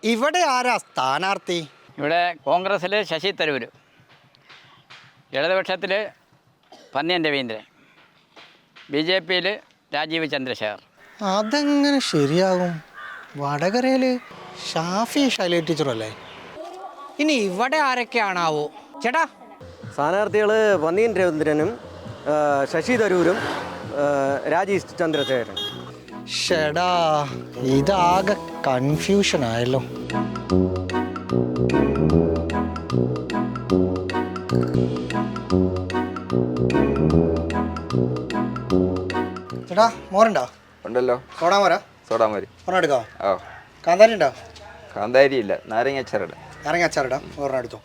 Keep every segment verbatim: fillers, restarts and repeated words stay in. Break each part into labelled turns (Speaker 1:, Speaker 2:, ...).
Speaker 1: ഇവിടെ ആരാ സ്ഥാനാർത്ഥി?
Speaker 2: ഇവിടെ കോൺഗ്രസ്സിൽ ശശി തരൂർ, ഇടതുപക്ഷത്തിൽ പന്നിയൻ രവീന്ദ്രൻ, ബി ജെ പിയിൽ രാജീവ് ചന്ദ്രശേഖർ.
Speaker 1: അതെങ്ങനെ ശരിയാകും? വടകരയിൽ ഷാഫി ശൈലജ ടീച്ചറല്ലേ? ഇനി ഇവിടെ ആരൊക്കെയാണാവോ? ചേട്ടാ,
Speaker 3: സ്ഥാനാർത്ഥികൾ പന്നിയൻ രവീന്ദ്രനും ശശി തരൂരും രാജീവ് ചന്ദ്രശേഖരൻ.
Speaker 1: ഷെടാ, ഇതാകെ കൺഫ്യൂഷൻ ആയല്ലോ. ചേട്ടാ, മോരുണ്ടോ?
Speaker 4: ഉണ്ടല്ലോ.
Speaker 1: സോഡാ മോരാ?
Speaker 4: സോഡാ മോര്
Speaker 1: ഒരെണ്ണം എടുക്കോ?
Speaker 4: ഓ.
Speaker 1: കാന്താരി ഉണ്ടോ?
Speaker 4: കാന്താരി ഇല്ല, നാരങ്ങ അച്ചാറിടാം.
Speaker 1: നാരങ്ങ അച്ചാറിടാം, ഒരെണ്ണം എടുത്തോ.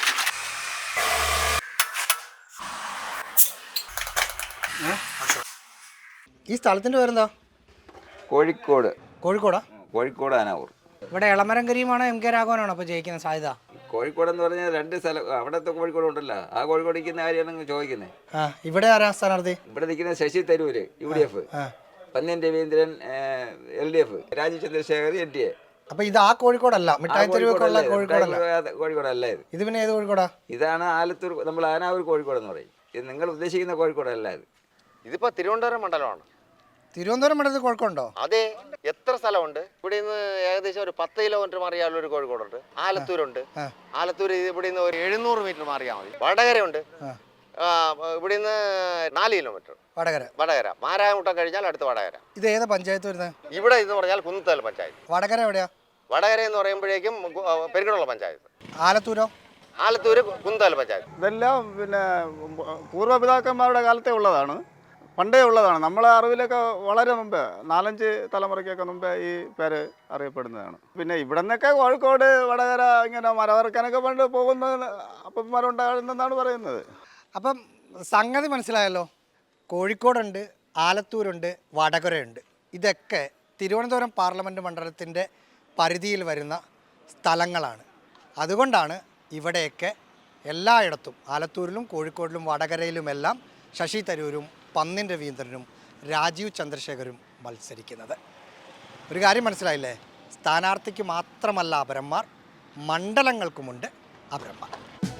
Speaker 1: ഈ സ്ഥലത്തിൻ്റെ പേരെന്താ?
Speaker 4: കോഴിക്കോട്.
Speaker 1: കോഴിക്കോടാ?
Speaker 4: കോഴിക്കോട് ആനാവൂർ.
Speaker 1: ഇവിടെ എളമരം കരീമാണോ എം കെ രാഘവനാണോ അപ്പോൾ ജയിക്കുന്ന സാധ്യത?
Speaker 4: കോഴിക്കോട് എന്ന് പറഞ്ഞാൽ രണ്ട് സ്ഥലം, അവിടത്തെ കോഴിക്കോട് ഉണ്ടല്ലോ, ആ കോഴിക്കോട് നിൽക്കുന്ന കാര്യമാണ് ചോദിക്കുന്നത്.
Speaker 1: ആ, ഇവിടെ ആരാ സ്ഥാനാർത്ഥി?
Speaker 4: ഇവിടെ നിൽക്കുന്ന Shashi Tharoor U D F, Panniyan Raveendran L D F, Rajeev Chandrasekhar N D A.
Speaker 1: അപ്പൊ ഇത് ആ കോഴിക്കോടല്ല, മിഠായി തെരുവുള്ള കോഴിക്കോടല്ല.
Speaker 4: കോഴിക്കോടല്ല ഇത്.
Speaker 1: ഇത് പിന്നെ ഏത് കോഴിക്കോടാ?
Speaker 4: ഇതാണ് ആലത്തൂർ, നമ്മൾ ആനാവൂർ കോഴിക്കോട് എന്ന് പറയും. ഇത് നിങ്ങൾ ഉദ്ദേശിക്കുന്ന കോഴിക്കോടല്ല ഇത്.
Speaker 5: ഇതിപ്പോ തിരുവനന്തപുരം മണ്ഡലമാണ്.
Speaker 1: തിരുവനന്തപുരം മണ്ഡലത്തിൽ കോഴിക്കോടുണ്ടോ?
Speaker 5: അതെ, എത്ര സ്ഥലമുണ്ട് ഇവിടെ നിന്ന്? ഏകദേശം ഒരു പത്ത് കിലോമീറ്റർ മാറിയാൽ ഒരു കോഴിക്കോടുണ്ട്. ആലത്തൂരുണ്ട്. ആലത്തൂർ ഇവിടെ നിന്ന് ഒരു എഴുന്നൂറ് മീറ്റർ മാറിയാൽ മതി. വടകരയുണ്ട്. ഇവിടെ നിന്ന് നാല് കിലോമീറ്റർ
Speaker 1: വടകര.
Speaker 5: വടകര മാരായമുട്ടം കഴിഞ്ഞാൽ അടുത്ത വടകര.
Speaker 1: ഇത് ഏതാ പഞ്ചായത്ത് വരുന്നത്?
Speaker 5: ഇവിടെ എന്ന് പറഞ്ഞാൽ കുന്നത്തൽ പഞ്ചായത്ത്.
Speaker 1: വടകര എവിടെയാ?
Speaker 5: വടകര എന്ന് പറയുമ്പോഴേക്കും പെരുകടുള്ള പഞ്ചായത്ത്.
Speaker 1: ആലത്തൂരോ?
Speaker 5: ആലത്തൂര് കുന്നത്തൽ പഞ്ചായത്ത്.
Speaker 6: ഇതെല്ലാം പിന്നെ പൂർവ്വപിതാക്കന്മാരുടെ കാലത്തെ ഉള്ളതാണ്, പണ്ടേ ഉള്ളതാണ്. നമ്മളെ അറിവിലൊക്കെ വളരെ മുമ്പേ, നാലഞ്ച് തലമുറയ്ക്കൊക്കെ മുമ്പേ ഈ പേര് അറിയപ്പെടുന്നതാണ്. പിന്നെ ഇവിടെ നിന്നൊക്കെ കോഴിക്കോട്, വടകര ഇങ്ങനെ മരവറക്കാനൊക്കെ പണ്ട് പോകുന്ന അപ്പന്മാരുണ്ടാകുന്നെന്നാണ് പറയുന്നത്.
Speaker 1: അപ്പം സംഗതി മനസ്സിലായല്ലോ. കോഴിക്കോടുണ്ട്, ആലത്തൂരുണ്ട്, വടകരയുണ്ട്. ഇതൊക്കെ തിരുവനന്തപുരം പാർലമെൻറ്റ് മണ്ഡലത്തിൻ്റെ പരിധിയിൽ വരുന്ന സ്ഥലങ്ങളാണ്. അതുകൊണ്ടാണ് ഇവിടെയൊക്കെ എല്ലായിടത്തും, ആലത്തൂരിലും കോഴിക്കോടിലും വടകരയിലുമെല്ലാം ശശി തരൂരും പന്നിയൻ രവീന്ദ്രനും രാജീവ് ചന്ദ്രശേഖരും മത്സരിക്കുന്നത്. ഒരു കാര്യം മനസ്സിലായില്ലേ? സ്ഥാനാർത്ഥിക്ക് മാത്രമല്ല അപരന്മാർ, മണ്ഡലങ്ങൾക്കുമുണ്ട് അപരന്മാർ.